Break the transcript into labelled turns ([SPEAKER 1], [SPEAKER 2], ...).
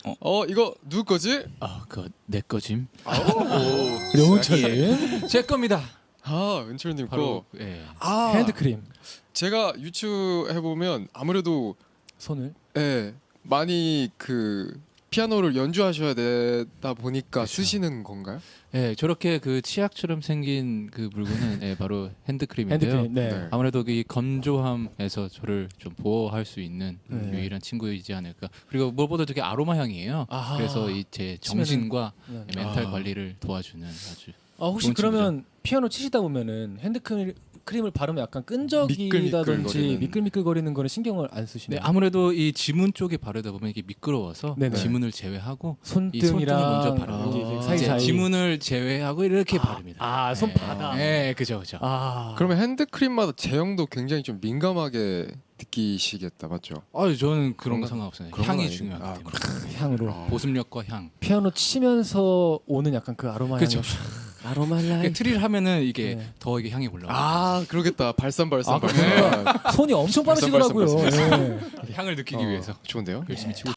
[SPEAKER 1] 이거 누구 거지?
[SPEAKER 2] 그거 내 거짐.
[SPEAKER 3] 영훈철님
[SPEAKER 2] 제 겁니다.
[SPEAKER 1] 은철님
[SPEAKER 2] 바로
[SPEAKER 1] 거.
[SPEAKER 2] 예.
[SPEAKER 3] 핸드크림
[SPEAKER 1] 제가 유추해 보면 아무래도
[SPEAKER 3] 손을
[SPEAKER 1] 많이 피아노를 연주하셔야 되다 보니까
[SPEAKER 2] 그쵸.
[SPEAKER 1] 쓰시는 건가요?
[SPEAKER 2] 예, 저렇게 그 치약처럼 생긴 그 물건은 바로 핸드크림인데요.
[SPEAKER 3] 핸드크림 네.
[SPEAKER 1] 네.
[SPEAKER 2] 아무래도 이 건조함에서 저를 좀 보호할 수 있는
[SPEAKER 3] 네.
[SPEAKER 2] 유일한 친구이지 않을까. 그리고 무엇보다 되게 아로마 향이에요.
[SPEAKER 3] 아하.
[SPEAKER 2] 그래서 제 정신과
[SPEAKER 3] 네.
[SPEAKER 2] 멘탈 관리를 도와주는 아주.
[SPEAKER 3] 혹시
[SPEAKER 2] 좋은
[SPEAKER 3] 그러면 피아노 치시다 보면은 핸드크림을 바르면 약간 끈적이다든지
[SPEAKER 1] 미끌미끌거리는.
[SPEAKER 3] 미끌미끌거리는 거는 신경을 안
[SPEAKER 2] 네,
[SPEAKER 3] 쓰시나요?
[SPEAKER 2] 아무래도 이 지문 쪽에 바르다 보면 이게 미끄러워서
[SPEAKER 3] 네네.
[SPEAKER 2] 지문을 제외하고 이
[SPEAKER 3] 손등이랑
[SPEAKER 2] 손등을 먼저 바르고
[SPEAKER 3] 이렇게
[SPEAKER 1] 아.
[SPEAKER 3] 사이사이
[SPEAKER 2] 이제 지문을 제외하고 이렇게 바릅니다.
[SPEAKER 3] 손바닥.
[SPEAKER 2] 네, 그죠.
[SPEAKER 1] 그러면 핸드크림마다 제형도 굉장히 좀 민감하게 느끼시겠다, 맞죠?
[SPEAKER 2] 저는 그런
[SPEAKER 1] 그런
[SPEAKER 2] 거 상관없어요.
[SPEAKER 1] 그런 건
[SPEAKER 2] 향이
[SPEAKER 1] 아니고.
[SPEAKER 2] 중요하기 때문에.
[SPEAKER 3] 향으로
[SPEAKER 2] 보습력과 향.
[SPEAKER 3] 피아노 치면서 오는 약간 그 아로마
[SPEAKER 2] 그쵸.
[SPEAKER 3] 향이 아로마라이
[SPEAKER 2] 트리를 하면은 이게
[SPEAKER 3] 네.
[SPEAKER 2] 더 이게 향이 올라와요.
[SPEAKER 1] 그러겠다. 발산.
[SPEAKER 3] 그러니까 손이 엄청 빠르시더라고요.
[SPEAKER 1] 발산.
[SPEAKER 3] 네.
[SPEAKER 2] 향을 느끼기 위해서
[SPEAKER 1] 좋은데요?
[SPEAKER 2] 열심히 치고